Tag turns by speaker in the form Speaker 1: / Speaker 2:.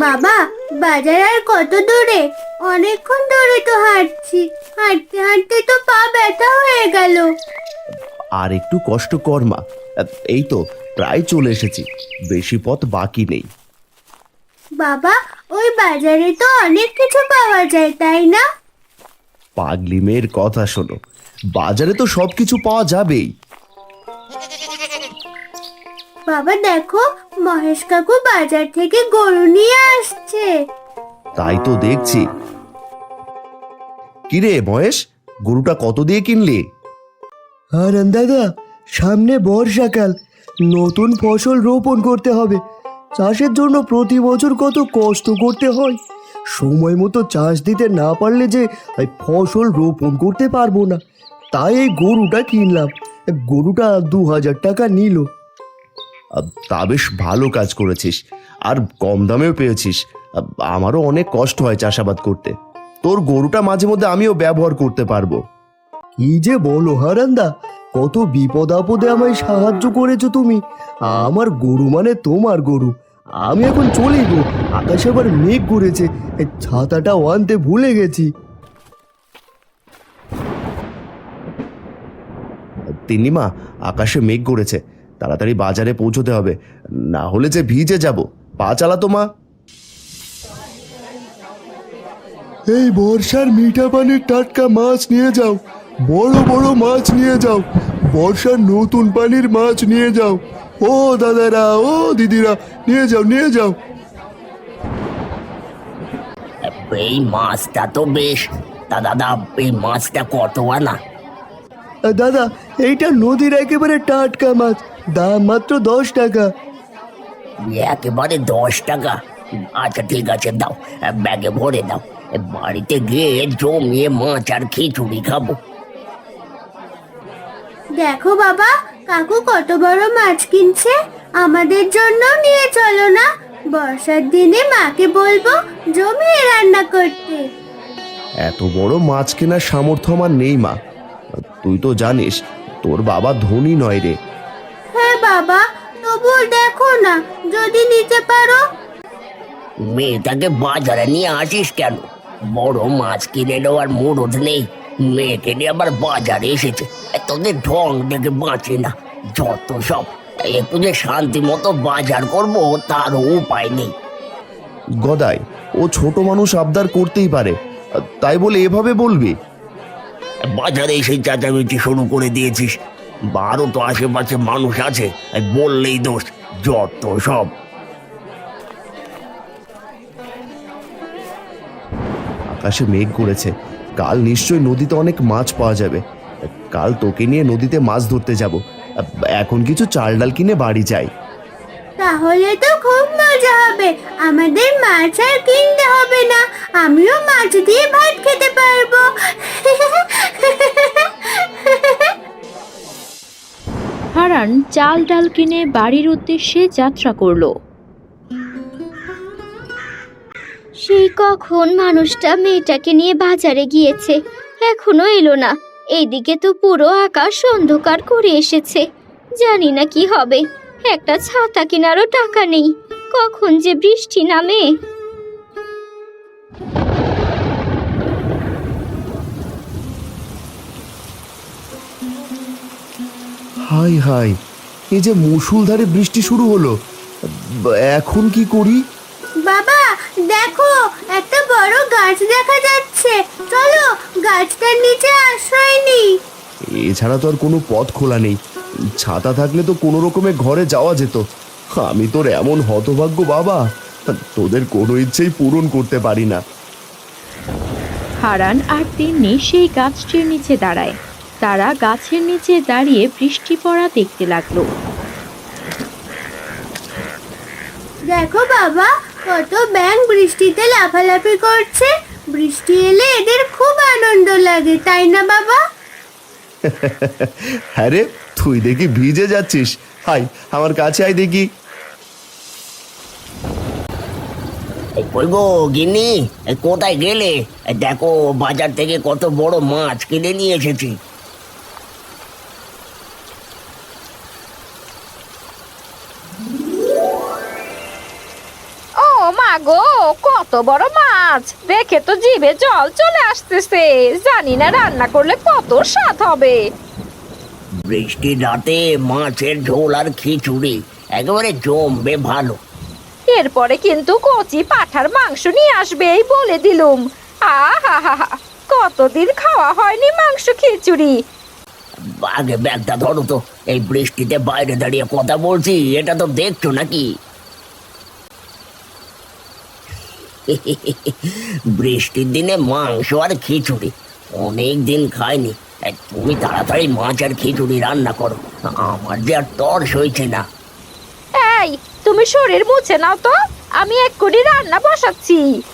Speaker 1: বাবা, বাজার আর কত দূরে? অনেকক্ষণ ধরে তো হাঁটছি, হাঁটতে হাঁটতে তো পা ব্যথা হয়ে গেল।
Speaker 2: আর একটু কষ্ট কর মা। এই তো প্রায় চলে এসেছি, বেশি পথ বাকি নেই।
Speaker 1: বাবা, ওই বাজারে তো অনেক কিছু পাওয়া যায়, তাই না?
Speaker 2: পাগলি মেয়ের কথা শোনো, বাজারে তো সবকিছু পাওয়া যাবেই।
Speaker 1: বাবা দেখো, মহেশ কাকু বাজার থেকে গরু নিয়ে আসছে।
Speaker 2: তাই তো দেখছি। কিরে মহেশ, গরুটা কত দিয়ে কিনলি?
Speaker 3: আর দাদা, সামনে বর্ষাকাল, নতুন ফসল রোপণ করতে হবে। চাষের জন্য প্রতি বছর কত কষ্ট করতে হয়। সময় মতো চাষ দিতে না পারলে যে এই ফসল রোপণ করতে পারবো না। তাই এই গরুটা কিনলাম। গরুটা 2000 টাকা নিল।
Speaker 2: তা বেশ ভালো কাজ করেছিস, আর কম দামেও পেয়েছিস। আমারও অনেক কষ্ট হয় চাষাবাদ করতে, তোর গরুটা মাঝে মধ্যে আমিও ব্যবহার করতে পারবো।
Speaker 3: কি যে বলো হারান্দা, কত বিপদ আপদে আমায় সাহায্য করেছো তুমি। আমার গরু মানে তোমার গরু। আমি এখন চলে গো, আকাশে আবার মেঘ করেছে, এই ছাতাটাও আনতে ভুলে গেছি।
Speaker 2: তিন্নিমা, আকাশে মেঘ করেছে, তাড়াতাড়ি বাজারে পৌঁছতে হবে, না হলে যে ভিজে যাব। পা চালাতো মা।
Speaker 3: এই বর্ষার মিঠা পানির টাটকা মাছ নিয়ে যাও, বড় বড় মাছ নিয়ে যাও, বর্ষার নতুন পানির মাছ নিয়ে যাও। ও দাদারা, ও দিদিরা, নিয়ে যাও নিয়ে যাও।
Speaker 4: এই মাছটা তো বেশ। তা দাদা, এই মাছটা কত আনা?
Speaker 3: দাদা, এইটা নদীর একেবারে টাটকা মাছ, দাম মাত্র 10 টাকা।
Speaker 4: একেবারে 10 টাকা? আচ্ছা ঠিক আছে, দাও, ব্যাগে ভরে দাও। বাড়িতে গিয়ে জমিয়ে মাছ আর খিচুড়ি খাবো।
Speaker 1: দেখো বাবা, কাকু কত বড় মাছ কিনছে। আমাদের জন্য নিয়ে চলো না, বর্ষার দিনে মাকে বলবো জমিয়ে রান্না করতে।
Speaker 2: এত বড় মাছ কেনার সামর্থ্য আমার নেই মা, তুই তো জানিস তোর বাবা ধনী নয় রে।
Speaker 1: হ্যাঁ বাবা, তবুও দেখো না, যদি নিতে পারো।
Speaker 4: মেয়েটাকে বাজারে নিয়ে আসিস কেন? বড় মাছ কিনে নেওয়ার মুরদ নেই, মেয়েকে নিয়ে আবার বাজারে এসেছে। তোদের ঢং দেখে বাঁচে না, যত সব। একটু যে শান্তি মতো বাজার করবো তার উপায় নেই।
Speaker 2: গদাই, ও ছোট মানুষ, আবদার করতেই পারে, তাই বলে এভাবে বলবি?
Speaker 4: বাজারে এসে চেঁচামেচি শুরু করে দিয়েছিস। আরো তো আশেপাশে মানুষ আছে, বললেই দোষ, যত সব।
Speaker 2: আকাশে মেঘ করেছে, কাল নিশ্চয়ই নদীতে অনেক মাছ পাওয়া যাবে। কাল তোকে নিয়ে নদীতে মাছ ধরতে যাব। এখন কিছু চাল ডাল কিনে বাড়ি যাই।
Speaker 1: তাহলে তো খুব মজা হবে, আমাদের মাছ আর কিনতে হবে না, আমিও মাছ দিয়ে ভাত খেতে পারবো।
Speaker 5: হারান চাল ডাল কিনে বাড়ির উদ্দেশ্যে যাত্রা করলো।
Speaker 6: সেই কখন মানুষটা মেয়েটাকে নিয়ে বাজারে গিয়েছে, এখনো এলো না। এইদিকে তো পুরো আকাশ অন্ধকার করে এসেছে, জানি না কি হবে। একটা ছাতা কেনারও টাকা নেই, কখন যে বৃষ্টি নামে।
Speaker 2: হাই হাই, এই যে মুষলধারে বৃষ্টি শুরু হলো, এখন কি করি?
Speaker 1: বাবা দেখো, একটা বড় গাছ দেখা যাচ্ছে, চলো গাছটার নিচে আশ্রয় নিই।
Speaker 2: এছাড়া তো আর কোনো পথ খোলা নেই, ছাতা থাকলে তো কোনো রকমে ঘরে যাওয়া যেত। আমি তোর এমন হতভাগ্য বাবা, তোদের কোনো ইচ্ছেই পূরণ করতে পারি না।
Speaker 5: হারান আর তিন্নি সেই গাছটির নিচে দাঁড়ায়। তারা গাছের নিচে দাঁড়িয়ে বৃষ্টি পড়া দেখতে লাগলো।
Speaker 1: দেখো বাবা, কত ব্যাঙ বৃষ্টিতে লাফালাফি করছে। বৃষ্টি এলে এদের খুব আনন্দ লাগে, তাই না বাবা?
Speaker 2: হ্যাঁ রে, তুই দেখি ভিজে যাচ্ছিস, হাই আমার কাছে আয় দেখি।
Speaker 4: কই গো গিন্নি, কোথায় গেলে? দেখো, বাজার থেকে কত বড় মাছ কিনে নিয়ে এসেছি।
Speaker 6: ও
Speaker 7: মা গো, কত বড় মাছ! দেখে তো জিভে জল চলে আসতেছে। জানি না রান্না করলে কত স্বাদ হবে।
Speaker 4: বৃষ্টির রাতে মাছের ঝোল আর খিচুড়ি একেবারে জমবে ভালো।
Speaker 7: এরপরে কিন্তু কচি পাঁঠার মাংস নিয়ে আসবে এই বলে দিলুম। আহা হা হা, কতদিন খাওয়া হয়নি মাংস খিচুড়ি।
Speaker 4: আগে ব্যাগটা ধরো তো, এই বৃষ্টিতে বাইরে দাঁড়িয়ে কথা বলছি, এটা তো দেখছো নাকি? বৃষ্টির দিনে মাংস আর খিচুড়ি অনেক দিন খাইনি। তুমি তাড়াতাড়ি মাছ আর খিচুড়ি রান্না করো, আমার যে আর তর্স হয়েছে না।
Speaker 7: এই, তুমি শরীর মুছে নাও তো, আমি এক্ষুনি রান্না বসাচ্ছি।